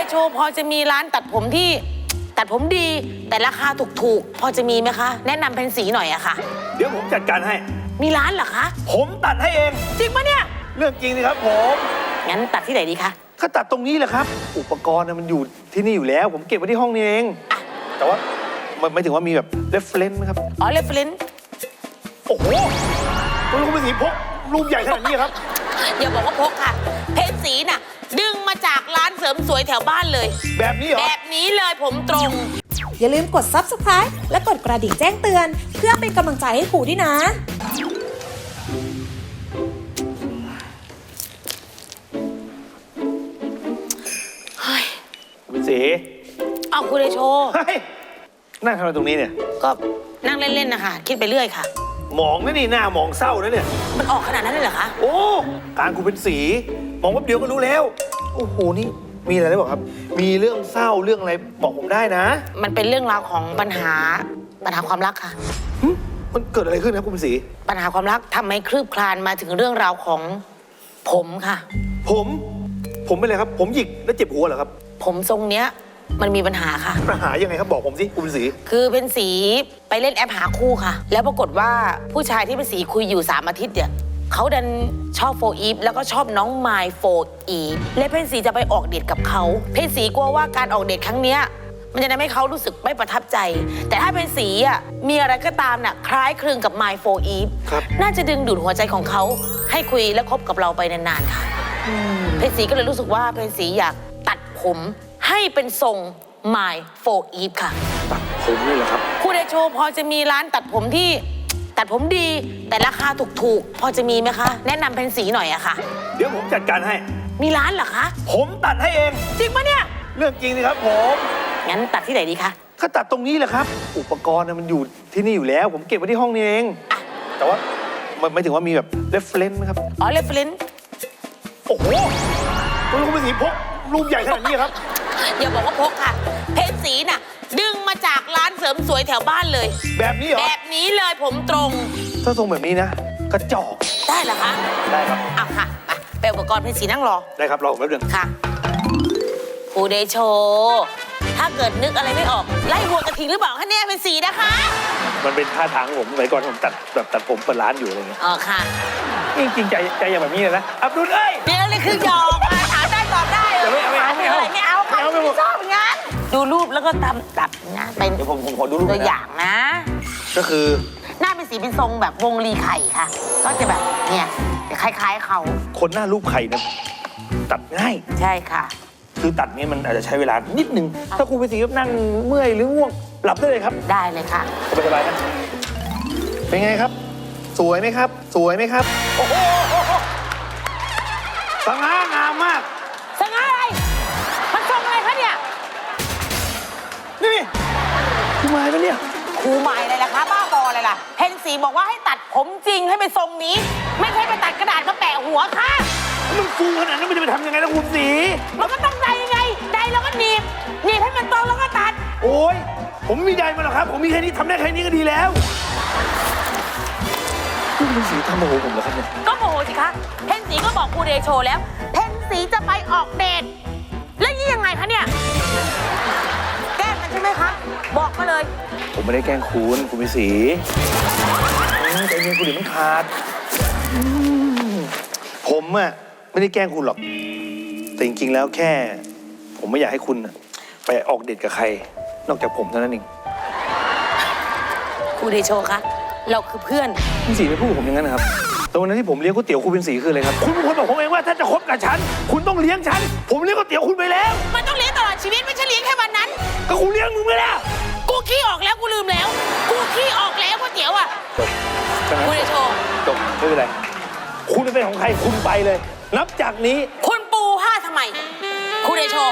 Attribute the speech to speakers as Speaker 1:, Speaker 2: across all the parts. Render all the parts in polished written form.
Speaker 1: โชพอจะมีร้านตัดผมที่ตัดผมดีแต่ราคาถูกๆพอจะมีไหมคะแนะนำเพนสีหน่อยอะค่ะ
Speaker 2: เดี๋ยวผมจัดการให้
Speaker 1: มีร้านเหรอคะ
Speaker 2: ผมตัดให้เอง
Speaker 1: จริงปะเนี่ย
Speaker 2: เรื่องจริงสิครับผม
Speaker 1: งั้นตัดที่ไหนดีคะ
Speaker 2: ก็ตัดตรงนี้แหละครับอุปกรณ์มันอยู่ที่นี่อยู่แล้วผมเก็บไว้ที่ห้องนี้เองแต่ว่ามันไม่ถึงว่ามีแบบ reference ไหมครับ
Speaker 1: อ๋อ reference
Speaker 2: โอ้โหคุณลุงเป็นสีพกรูปใหญ่ขนาดนี้ครับ
Speaker 1: อย่าบอกว่าพกค่ะเพนสีน่ะดึงมาจากร้านเสริมสวยแถวบ้านเลย
Speaker 2: แบบนี้เหรอ
Speaker 1: แบบนี้เลยผมตรง
Speaker 3: อย่าลืมกด Subscribe และกดกระดิ่งแจ้งเตือนเพื่อเป็นกำลังใจให้ครูด้วยนะ
Speaker 2: คุณสี
Speaker 1: เอาคุณได้โชว์
Speaker 2: นั่งทำอะไรตรงนี้เนี่ย
Speaker 1: ก็นั่งเล่นๆนะคะคิดไปเรื่อยค่ะ
Speaker 2: มองนะนี่หน้ามองเศร้านะเนี่ย
Speaker 1: มันออกขนาดนั้นเลยเหรอคะ
Speaker 2: โอ้การคุณเป็นสีมองแป๊บเดียวก็รู้แล้วโอ้โหนี่มีอะไรได้บอกครับมีเรื่องเศร้าเรื่องอะไรบอกผมได้นะ
Speaker 1: มันเป็นเรื่องราวของปัญหาความรักค่ะ
Speaker 2: มันเกิดอะไรขึ้นครับคุณเป็นสี
Speaker 1: ปัญหาความรักทำให้คลืบคลานมาถึงเรื่องราวของผมค่ะ
Speaker 2: ผมเป็นอะไรครับผมหยิกแล้วเจ็บหัวเหรอครับ
Speaker 1: ผมทรงเนี้ยมันมีปัญหาค่ะ
Speaker 2: ปัญหายังไงครับบอกผมสิคุณเป็นสี
Speaker 1: คือเป็นสีไปเล่นแอปหาคู่ค่ะแล้วปรากฏว่าผู้ชายที่เป็นสีคุยอยู่3 อาทิตย์เนี่ยเขาดันชอบโฟอีฟแล้วก็ชอบน้องไมล์โฟอีฟและเพนสีจะไปออกเดทกับเขาเพนสีกลัวว่าการออกเดทครั้งเนี้ยมันจะทำให้เขารู้สึกไม่ประทับใจแต่ถ้าเพนสีอ่ะมีอะไรก็ตามน่ะคล้ายคลึงกับไมล์โฟอีฟน่าจะดึงดูดหัวใจของเขาให้คุยและคบกับเราไปนานๆค่ะเพนสีก็เลยรู้สึกว่าเพนสีอยากตัดผมให้เป็นทรงไมล์โฟอีฟค่ะ
Speaker 2: ตัดผมนี่เหรอครับ
Speaker 1: คุณเดโชพอจะมีร้านตัดผมที่ตัดผมดีแต่ราคาถูกๆพอจะมีไหมคะแนะนำเพนสีหน่อยอะค่ะ
Speaker 2: เดี๋ยวผมจัดการให้
Speaker 1: มีร้านเหรอคะ
Speaker 2: ผมตัดให้เอง
Speaker 1: จริงปะเนี่ย
Speaker 2: เรื่องจริงสิครับผม
Speaker 1: งั้นตัดที่ไหนดีคะ
Speaker 2: ก็ตัดตรงนี้แหละครับอุปกรณ์มันอยู่ที่นี่อยู่แล้วผมเก็บไว้ที่ห้องนี้เองแต่ว่ามันไม่ถึงว่ามีแบบ reference ไหมครับ
Speaker 1: อ๋อ reference
Speaker 2: โอ้โหคุณลุงเป็นสีพกรูปใหญ่ขนาดนี้ครับ
Speaker 1: อย่าบอกว่าพกค่ะเพนสีน่ะดึงมาจากร้านเสริมสวยแถวบ้านเลย
Speaker 2: แบบนี้เหรอ
Speaker 1: แบบนี้เลยผมตรง
Speaker 2: ถ้าทรงแบบนี้นะกระจอก
Speaker 1: ได้เหรอคะ
Speaker 2: ได้ครับ
Speaker 1: เอาค่ะไปอุปกรณ์เพนสีนั่งรอ
Speaker 2: ได้ครับรอแป๊บนึง
Speaker 1: ค่ะครูเดโชถ้าเกิดนึกอะไรไม่ออกไล่วัวกระทิงหรือเปล่าคะเนี่ยเพนสีนะคะ
Speaker 2: มันเป็นท่าทางผมสมัยก่อนผมตัดผมเปิดร้านอยู่อะไรเงี้ย
Speaker 1: อ๋อค่ะ
Speaker 2: จริงใจอย่างแบบนี้เลยนะอับดุลเอ้ย
Speaker 1: เดี๋ยวเลยคือหยอกถามได้ตอบได้
Speaker 2: ไม่เอา
Speaker 1: ค่ะไม่ชอบงั้นดูรูปแล้วก็ตัดนะเป็น
Speaker 2: เดี๋ยวผมขอดูรูป
Speaker 1: ตัวอย่างนะ
Speaker 2: ก็คือ
Speaker 1: หน้าเป็นสีเป็นทรงแบบวงรีไข่ค่ะก็จะแบบเนี่ยคล้ายๆเขา
Speaker 2: คนหน้ารูปไข่นะตัดง่าย
Speaker 1: ใช่ค่ะ
Speaker 2: คือตัดนี้มันอาจจะใช้เวลานิดนึงถ้าคุณเป็นสีนั่งเมื่อยหรือง่วงหลับได้เลยครับ
Speaker 1: ได้เลยค่ะ
Speaker 2: สบายๆนะเป็นไงครับสวยไหมครับสวยไหมครับโอ้โหสง่างามมาก
Speaker 1: สง่าอะไรมันทรงอะไรคะเนี่ย
Speaker 2: นี่ครูหมายปะเนี่ย
Speaker 1: ครูหมายอะไรล่ะคะบ้าบออะไรล่ะเพนสีบอกว่าให้ตัดผมจริงให้เป็นทรงนี้ไม่ใช่ไปตัดกระดาษมาแปะหัวค่ะ
Speaker 2: มันฟูขนาดนั้นมันจะไปทำยังไงนะคุณสี
Speaker 1: มันก็ต้องได้ยังไงได้แล้วก็หนีบให้มันตรงแล้วก็ตัด
Speaker 2: โอ้ยผมไม่ได้มาหรอกครับผมมีแค่นี้ทำได้แค่นี้ก็ดีแล้วคุณสีทำโมโหผมเหรอครับเนี่ย
Speaker 1: ก็โมโหสิคะเพนสีก็บอกครูเดโชแล้วเพนสีจะไปออกเดทแล้วนี่ยังไงคะเนี่ยแกล้งกันใช่ไหมคะบอกมาเลย
Speaker 2: ผมไม่ได้แกล้งคุณเป็นสีใจเย็นคุณเดี๋ยวมันขาดผมอะไม่ได้แกล้งคุณหรอกแต่จริงๆแล้วแค่ผมไม่อยากให้คุณไปออกเดทกับใครนอกจากผมเท่านั้นเอง
Speaker 1: ครูเดโชคะเราคือเพื่อน
Speaker 2: คุณสีไม่พูดผมอย่างนั้นนะครับแต่วันนั้นที่ผมเลี้ยงก๋วยเตี๋ยวคุณเป็นสีคืออะไรครับคุณเป็นคนบอกผมเองว่าถ้าจะคบกับฉันคุณต้องเลี้ยงฉันผมเลี้ยงก๋วยเตี๋ยวคุณไปแล้ว
Speaker 1: มันต้องเลี้ยงตลอดชีวิตไม่ใช่เลี้ยงแค่วันนั้น
Speaker 2: ก็คุณเลี้ยงมึงไปแล้ว
Speaker 1: กูขี้ออกแล้วกูลืมแล้วกูขี้ออกแล้วก๋วยเตี๋ยวอ่ะครูเดโช
Speaker 2: จบไม่เป็นไรคุณเป็นของใครคุณไปเลยนับจากนี้
Speaker 1: คุณปูผ้าทำไมครูเดโช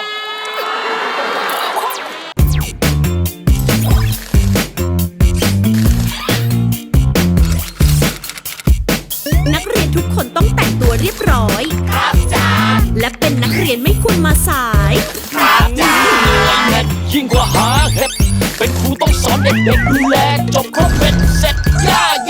Speaker 3: นักเรียนทุกคนต้องแต่งตัวเรียบร้อยครับจ้าและเป็นนักเรียนไม่ควรมาสาย
Speaker 4: ครับจ้ายิ่งกว่าหาเห็ดเป็นครูต้องสอนเด็กๆดูแลจบครบเป็นเสร็จย่า